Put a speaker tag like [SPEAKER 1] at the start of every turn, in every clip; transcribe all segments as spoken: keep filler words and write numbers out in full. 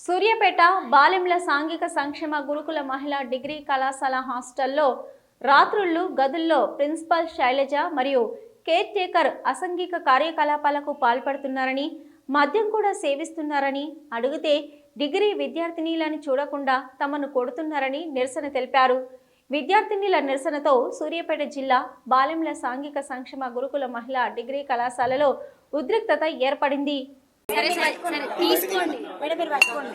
[SPEAKER 1] సూర్యాపేట బాలెంల సాంఘిక సంక్షేమ గురుకుల మహిళా డిగ్రీ కళాశాల హాస్టల్లో రాత్రుళ్ళు గదుల్లో ప్రిన్సిపల్ శైలజ మరియు కేర్ టేకర్ అసాంఘిక కార్యకలాపాలకు పాల్పడుతున్నారని, మద్యం కూడా సేవిస్తున్నారని అడిగితే డిగ్రీ విద్యార్థినీలను చూడకుండా తమను కొడుతున్నారని నిరసన తెలిపారు. విద్యార్థినీల నిరసనతో సూర్యాపేట జిల్లా బాలెంల సాంఘిక సంక్షేమ గురుకుల మహిళా డిగ్రీ కళాశాలలో ఉద్రిక్తత ఏర్పడింది.
[SPEAKER 2] సరే సరే సరే తీసుకోండి మేడం, మీరు పట్టుకోండి.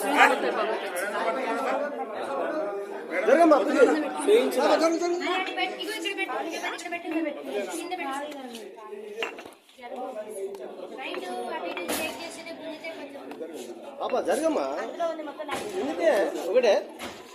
[SPEAKER 3] జరగమ్మా ఒకటే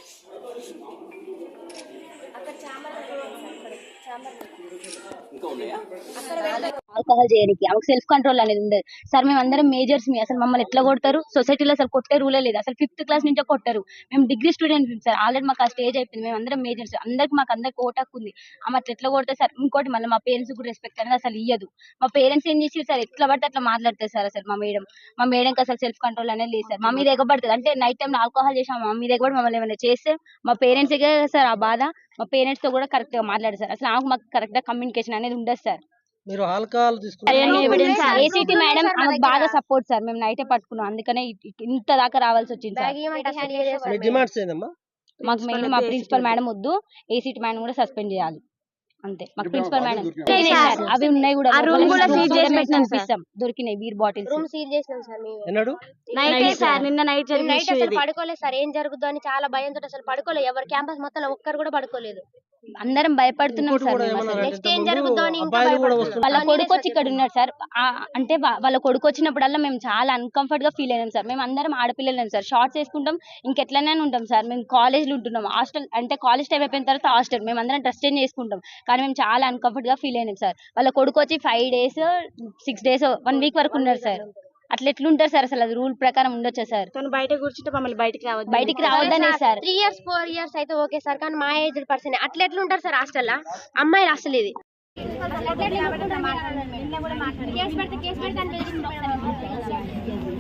[SPEAKER 2] ఆల్కహాల్ చేయడానికి ఆమెకు సెల్ఫ్ కంట్రోల్ అనేది ఉండదు సార్. మేము అందరం మేజర్స్ మీ అసలు మమ్మల్ని ఎట్లా కొడతారు? సొసైటీలో అసలు కొట్టే రూలే లేదు. అసలు ఫిఫ్త్ క్లాస్ నుంచే కొట్టారు. మేము డిగ్రీ స్టూడెంట్స్ సార్. ఆల్రెడీ మాకు ఆ స్టేజ్ అయిపోయింది. మేము అందరం మేజర్స్, అందరికి మాకు అందరికి ఓటాకు ఉంది. ఆమె అట్లా ఎట్లా కొడతారు సార్? ఇంకోటి మళ్ళీ మా పేరెంట్స్ కూడా రెస్పెక్ట్ అనేది అసలు ఇయ్యదు. మా పేరెంట్స్ ఏం చేసి సార్ ఎట్లా పడితే అట్లా మాట్లాడతారు సార్. అసలు మా మేడం మా మేడంకి అసలు సెల్ఫ్ కంట్రోల్ అనేది లేదు సార్. మా మీద ఎగబడుతుంది అంటే నైట్ టైం ఆల్కహాల్ చేసాం మా మీద ఎగబడి మమ్మల్ని ఏమైనా చేస్తే మా పేరెంట్స్ సార్ ఆ బాధ. మా పేరెంట్స్ తో కూడా కరెక్ట్ గా మాట్లాడారు సార్. అసలు ఆమెకు మాకు కరెక్ట్ గా కమ్యూనికేషన్ అనేది ఉండదు సార్.
[SPEAKER 3] మీరు ఆల్కహాల్
[SPEAKER 2] ఏసీటీ మేడం ఆమెకు బాగా సపోర్ట్ సార్. మేము నైటే పట్టుకున్నాం, అందుకనే ఇంత దాకా రావాల్సి వచ్చింది సార్. మాకు మెయిన్ మా ప్రిన్సిపల్ మేడం వద్దు, ఏసీటీ మేడం కూడా సస్పెండ్ చేయాలి అంతే. మాకు ప్రిన్సిపల్ మేడం అవి ఉన్నాయి కూడా పంపిస్తాం. దొరికినాయి బీర్ బాటిల్స్
[SPEAKER 4] రూమ్ సీల్ చేసినాం సార్. మేము నైట్ సార్ నిన్న నైట్ నైట్ అసలు పడుకోలేదు సార్. ఏం జరుగుతుందో అని చాలా భయంతో అసలు పడుకోలేదు. ఎవరు క్యాంపస్ మొత్తం ఒక్కరు కూడా పడుకోలేదు.
[SPEAKER 2] అందరం భయపడుతున్నాం సార్.
[SPEAKER 4] నెక్స్ట్ ఏం జరుగుతుందో అని ఇంకా
[SPEAKER 2] వాళ్ళ కొడుకు వచ్చి ఇక్కడ ఉన్నాడు సార్. అంటే వాళ్ళ కొడుకు వచ్చినప్పుడల్లా మేము చాలా అన్కంఫర్ట్ గా ఫీల్ అయినాం సార్. మేము అందరం ఆడపిల్లలేం సార్. షార్ట్స్ వేసుకుంటాం, ఇంకెట్లనే ఉంటాం సార్. మేము కాలేజ్లో ఉంటున్నాం. హాస్టల్ అంటే కాలేజ్ టైం అయిపోయిన తర్వాత హాస్టల్ మేము అందరం డ్రెస్ చేంజ్ చేసుకుంటాం. కానీ మేము చాలా అన్కంఫర్ట్ గా ఫీల్ అయినాం సార్. వాళ్ళ కొడుకు వచ్చి five days six days one week వరకు ఉన్నారు సార్. అట్లా ఎట్లుంటారు సార్? అసలు అది రూల్ ప్రకారం ఉండొచ్చు సార్.
[SPEAKER 4] బయట కూర్చుంటే మమ్మల్ని బయటికి రావద్దు
[SPEAKER 2] బయటికి రావద్దనే sir.
[SPEAKER 4] Three years four years అయితే ఓకే సార్, కానీ మా ఏజ్ పర్సన్ అట్లా ఎట్లుంటారు సార్ హాస్టల్? అమ్మాయిలు అసలు ఇది కేసు పెడితే కేసు పెడితే